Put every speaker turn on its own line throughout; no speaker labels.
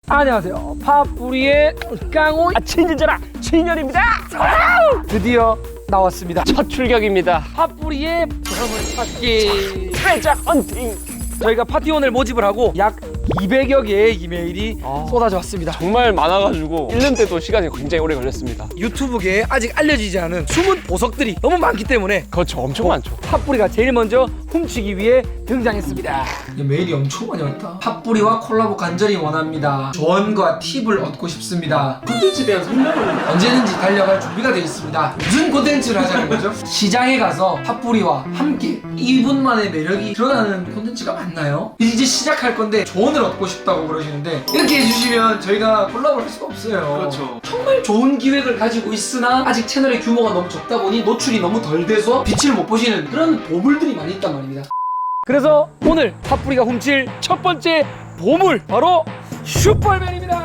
안녕하세요. 팥뿌리의 깡호
친진전아 친년입니다.
드디어 나왔습니다.
첫 출격입니다.
팥뿌리의 보물 찾기
트레저 헌팅.
저희가 파티원을 모집을 하고 약 200여 개의 이메일이 쏟아져 왔습니다.
정말 많아가지고 읽는데도 시간이 굉장히 오래 걸렸습니다.
유튜브계에 아직 알려지지 않은 숨은 보석들이 너무 많기 때문에
그렇죠, 엄청 많죠.
팥뿌리가 제일 먼저 훔치기 위해 등장했습니다. 메일이 엄청 많이 왔다. 팥뿌리와 콜라보 간절히 원합니다. 조언과 팁을 얻고 싶습니다.
콘텐츠에 대한 설명을
언제든지 달려갈 준비가 되어 있습니다. 무슨 콘텐츠를 하자는 거죠? 시장에 가서 팥뿌리와 함께 이분만의 매력이 드러나는 콘텐츠가 맞나요? 이제 시작할 건데 조언을 얻고 싶다고 그러시는데 이렇게 해주시면 저희가 콜라보를 할 수가 없어요.
그렇죠.
정말 좋은 기획을 가지고 있으나 아직 채널의 규모가 너무 적다 보니 노출이 너무 덜 돼서 빛을 못 보시는 그런 보물들이 많이 있단 말입니다. 그래서 오늘 팥뿌리가 훔칠 첫 번째 보물 바로 슈퍼맨입니다.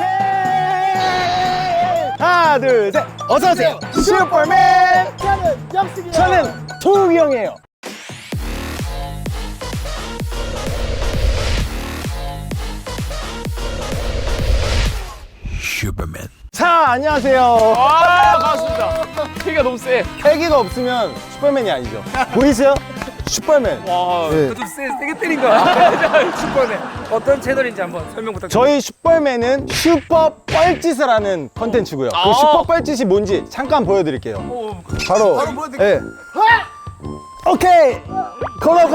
하나 둘 셋 어서오세요 슈퍼맨. 저는 도욱이 형이에요.
슈퍼맨.
자 안녕하세요.
아 반갑습니다. 키가 너무 세.
패기가 없으면 슈퍼맨이 아니죠. 보이세요? 슈퍼맨.
와.
네.
좀 세게 때린 거야. 슈퍼맨 어떤 채널인지 한번 설명 부탁드립니다.
저희 슈퍼맨은 슈퍼 뻘짓을 하는 컨텐츠고요.
아.
그 슈퍼 뻘짓이 뭔지 잠깐 보여드릴게요. 바로 보여드릴게요. 오케이 걸어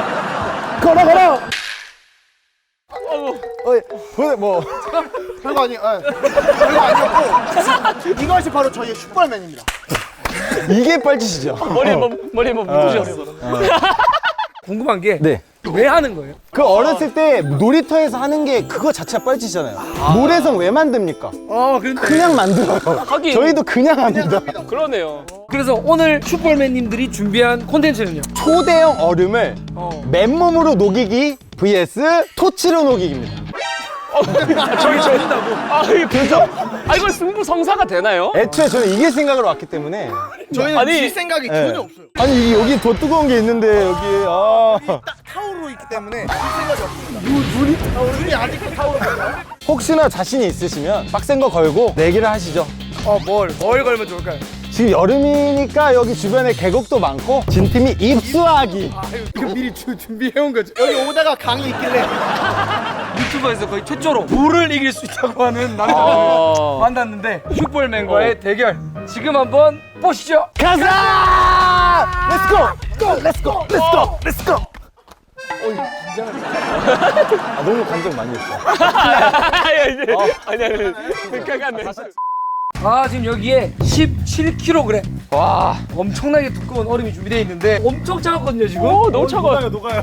뭐
별거 아니에요. 별거 아니었고 이것이 바로 저희의 슈퍼맨입니다.
이게 뻘짓이죠.
머리에 뭐 묻으셨어.
궁금한 게 왜
네.
하는 거예요?
그 어렸을 때 놀이터에서 하는 게 그거 자체가 뻘짓이잖아요. 모래성 왜 만듭니까?
그런데
그냥 만들어요.
하긴.
저희도 그냥 합니다.
그러네요.
그래서 오늘 슈퍼맨님들이 준비한 콘텐츠는요.
초대형 얼음을 맨몸으로 녹이기 vs 토치로 녹이기입니다.
저희 저린다고.
이게 그죠? 이거 승부성사가 되나요?
애초에 저는 이길 생각으로 왔기 때문에.
저희는
아니,
질 생각이 전혀 없어요.
아니 여기 더 뜨거운 게 있는데 여기
딱 타오르고 있기 때문에 질 생각이 없습니다. 눈이 아직도 타오르거든요.
혹시나 자신이 있으시면 빡센 거 걸고 내기를 하시죠.
뭘 걸면 좋을까요?
지금 여름이니까 여기 주변에 계곡도 많고 진 팀이 입수하기.
이거 미리 준비해온 거죠.
여기 오다가 강이 있길래
유튜버에서 거의 최초로 물을 이길 수 있다고 하는 남자를 만났는데 슈퍼맨과의 대결 지금 한번 보시죠.
가자! 렛츠고! 너무 감정 많이 했어.
아니. 생각하네.
지금 여기에 17kg
와.
엄청나게 두꺼운 얼음이 준비되어 있는데 엄청 차갑거든요 지금.
너무 차가워.
녹아요.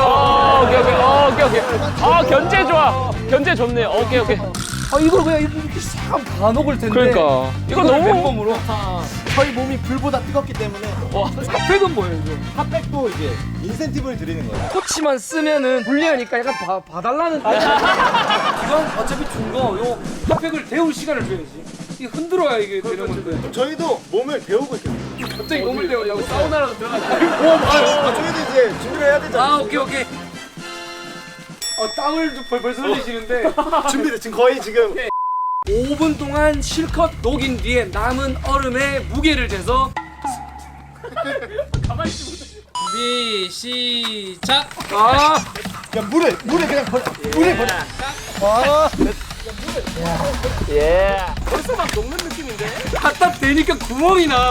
오케이. 견제 좋아. 견제 좋네. 오케이.
이걸 그냥 이렇게 싹 다 녹을 텐데.
그러니까. 이거
이걸
너무.
맨몸으로.
저희 몸이 불보다 뜨겁기 때문에
핫팩은 뭐예요 이거?
핫팩도 이제 인센티브를 드리는 거예요.
코치만 쓰면은 불리하니까 약간 봐달라는 이건 어차피 준 거 요 핫팩을 데울 시간을 줘야지. 이게 흔들어야 이게 되는 건데
저희도 몸을 배우고 있거든요.
갑자기 몸을 데우려고 사우나라도 들어가자.
저희도 이제 준비를 해야 되잖아요.
오케이. 땀을 벌써 흘리시는데
준비를 지금 거의 지금
5분 동안 실컷 녹인 뒤에 남은 얼음의 무게를 재서 가만히 있지 못해. 준비 시작.
야, 물에 그냥 버려. 물에 버려.
벌써 막 녹는 느낌인데?
갖다 대니까 구멍이 나.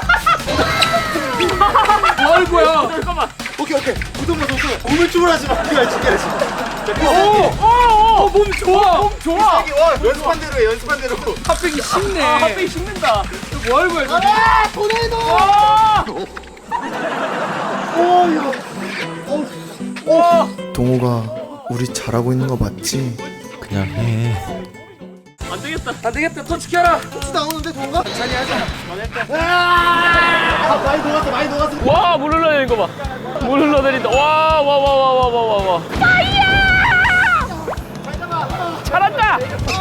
뭐 하는 거야?
잠깐만.
오케이. 무덤으로 쏟고. 몸을 주물하지 마. 이거 지켜야지.
몸 좋아.
몸 좋아.
연습한 대로 해, 연습한 대로.
핫팩이 식네.
핫팩이 식는다.
뭐 하는 거야? 저기?
토네이도!
동호가 우리 잘하고 있는 거 맞지?
그냥 해.
안 되겠다. 터치 켜라.
혹시 나오는데 동호가?
자리 하자.
많이 녹았어.
와, 물 흘러내리는 거 봐. 물 흘러내린다. 와. 잘한다.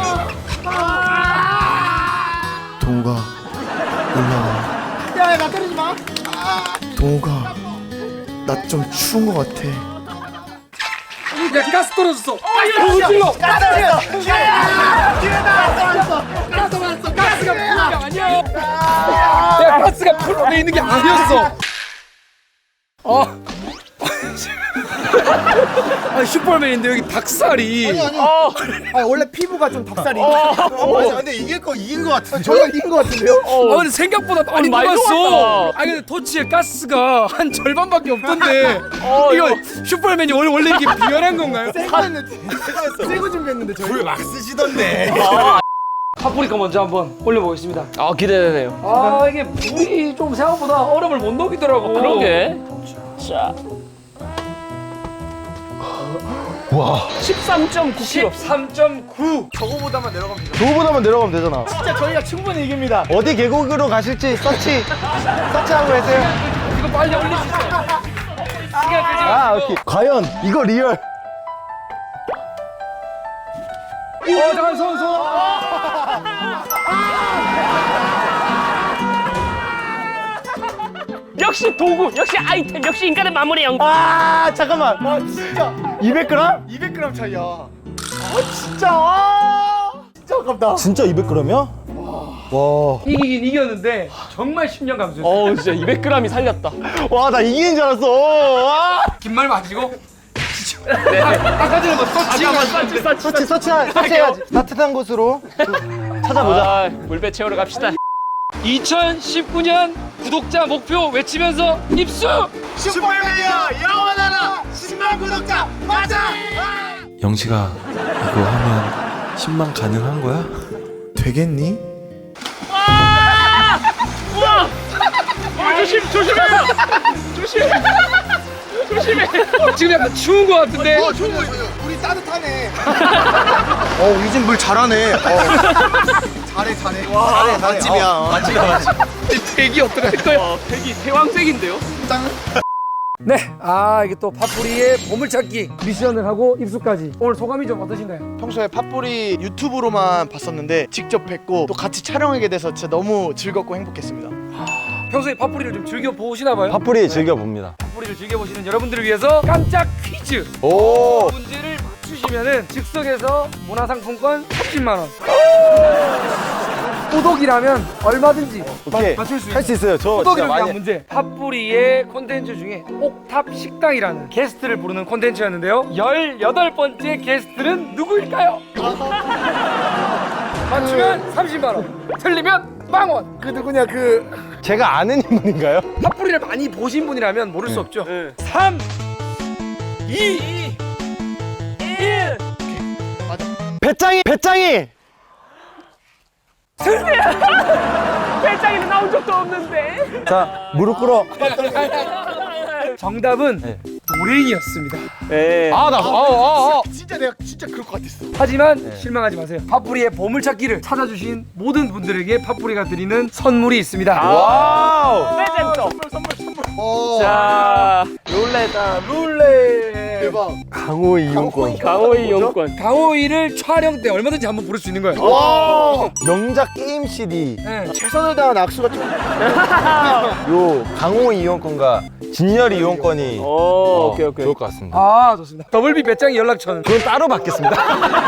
동호가 올라와.
야, 나 때리지 마.
동호가 나 좀 추운 거 같아.
야 가스 떨어졌어. 가스 떨어졌어.
가스!
풀로 있는 게 아니었어. 아니 슈퍼맨인데 여기 닭살이.
아니 원래 피부가 좀 닭살이. 근데 이긴 거 같은데. 저희가 이긴 거 같은데요?
근데 생각보다 많이
많이
녹았어.
녹았다.
아니 근데 토치에 가스가 한 절반밖에 없던데. 이거 슈퍼맨이 원래 이게 비열한 건가요?
새거 준비했는데 저희. 불막 쓰시던데.
파프리카 먼저 한번 올려보겠습니다.
아 기대되네요.
아 이게 물이 좀 생각보다 얼음을 못 녹이더라고.
그러게. 자. 와. 13.9kg.
13.9.
저거보다만 내려가면 돼요.
저거보다만 내려가면 되잖아.
진짜 저희가 충분히 이깁니다.
어디 계곡으로 가실지 서치하고 계세요.
이거 빨리 올릴 수 있어. 시간 끌지 마.
아, 오케이. 과연 이거 리얼.
잠깐 손.
역시 도구, 역시 아이템, 역시 인간의 마무리 형.
아, 잠깐만.
진짜
200g?
200g 차이야. 진짜. 진짜 아깝다.
진짜 200g이야? 와.
이기긴 이겼는데 정말 10년 감수했어.
어우 진짜 200g이 살렸다.
와, 나 이기는 줄 알았어. 와.
긴 말 마시고. 아까 전에 뭐
서치해야지. 따뜻한 곳으로 찾아보자.
아, 물배 채우러 갑시다.
2019년 구독자 목표 외치면서 입수!
슈퍼맨이야 영원하라 10만 구독자 맞아.
영식아, 이거 하면 10만 가능한 거야? 되겠니?
조심해요. 조심해.
지금 약간 추운 거 같은데?
좋은 거 있어요. 우리 따뜻하네. 우리 집 물 잘하네. 잘해. 맛집이야.
대기 어떡할 거야?
색이 태왕색인데요?
네, 이게 또 팥뿌리의 보물찾기 미션을 하고 입수까지. 오늘 소감이 좀 어떠신가요?
평소에 팥뿌리 유튜브로만 봤었는데 직접 뵙고 또 같이 촬영하게 돼서 진짜 너무 즐겁고 행복했습니다.
평소에 팥뿌리를 좀 즐겨 보시나 봐요?
팥뿌리 즐겨봅니다.
팥뿌리를 즐겨 보시는 여러분들을 위해서 깜짝 퀴즈.
오.
문제를 맞추시면은 즉석에서 문화상품권 30만 원. 꾸덕이라면 얼마든지
오케이.
맞출 수
할 수 있어요. 저 진짜
꾸덕이를 위한
많이.
문제. 팥뿌리의 콘텐츠 중에 옥탑 식당이라는 게스트를 부르는 콘텐츠였는데요. 18번째 게스트는 누구일까요? 맞추면 30만 원, 틀리면 빵원.
그 누구냐
제가 아는 인물인가요?
팥뿌리를 많이 보신 분이라면 모를 수 없죠. 3, 2, 1.
배짱이.
배짱이는 나온 적도 없는데.
자, 무릎 꿇어.
정답은
네.
노랭이었습니다.
네.
진짜 내가 진짜 그럴 것 같았어.
하지만 실망하지 마세요. 팥뿌리의 보물찾기를 찾아주신 모든 분들에게 팥뿌리가 드리는 선물이 있습니다.
와우.
레전드.
어.
자,
룰렛.
대박.
강호 이용권.
강호이 용권.
강호이를 촬영 때 얼마든지 한번 부를 수 있는 거예요.
와.
명작 게임 CD.
네.
최선을 다한 악수가 좀.
요 강호 이용권과 진열이 이용권이
오케이.
좋을 것 같습니다.
좋습니다. 더블비 배짱이 연락처는
그건 따로 받겠습니다.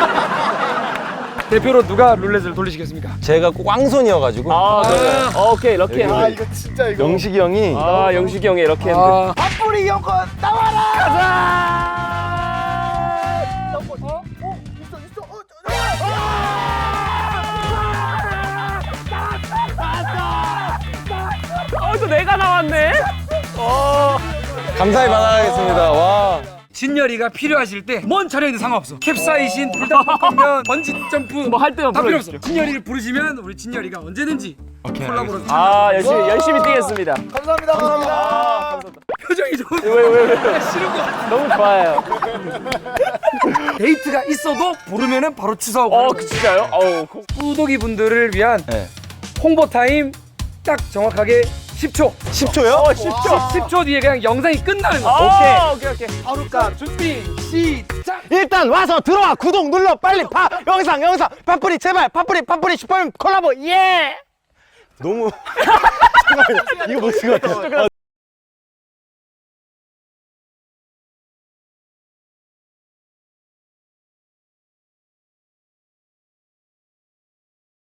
대표로 누가 룰렛을 돌리시겠습니까?
제가 꼭 왕손이어가지고
그래. 오케이, 럭키 핸드.
아 이거 진짜 이거.
영식이 형이
영식이 형의 럭키 핸드.
팥뿌리 이용권 나와라. 가자.
또 내가 나왔네.
감사히 받아가겠습니다. 와.
진열이가 필요하실 때 뭔 촬영이든 상관없어. 캡사이신, 불닭볶음면, 번지 점프
뭐 할 때만
다 필요 없어.
불러주십시오.
진열이를 부르시면 우리 진열이가 언제든지 콜라보로
열심히 뛰겠습니다.
감사합니다.
표정이 좀
왜?
싫은 거 같아.
너무 좋아요.
데이트가 있어도 부르면은 바로 취소하고.
진짜요?
꾸덕이 분들을 위한
네.
홍보 타임 딱 정확하게 10초.
10초요?
10초 뒤에 그냥 영상이 끝나는 거야.
오케이.
바로까 준비 시작.
일단 와서 들어와. 구독 눌러. 빨리 영상 팥뿌리 제발. 팥뿌리 슈퍼맨 콜라보. 예. 너무 잠깐만요. 이거 못 쓴 것 같아요.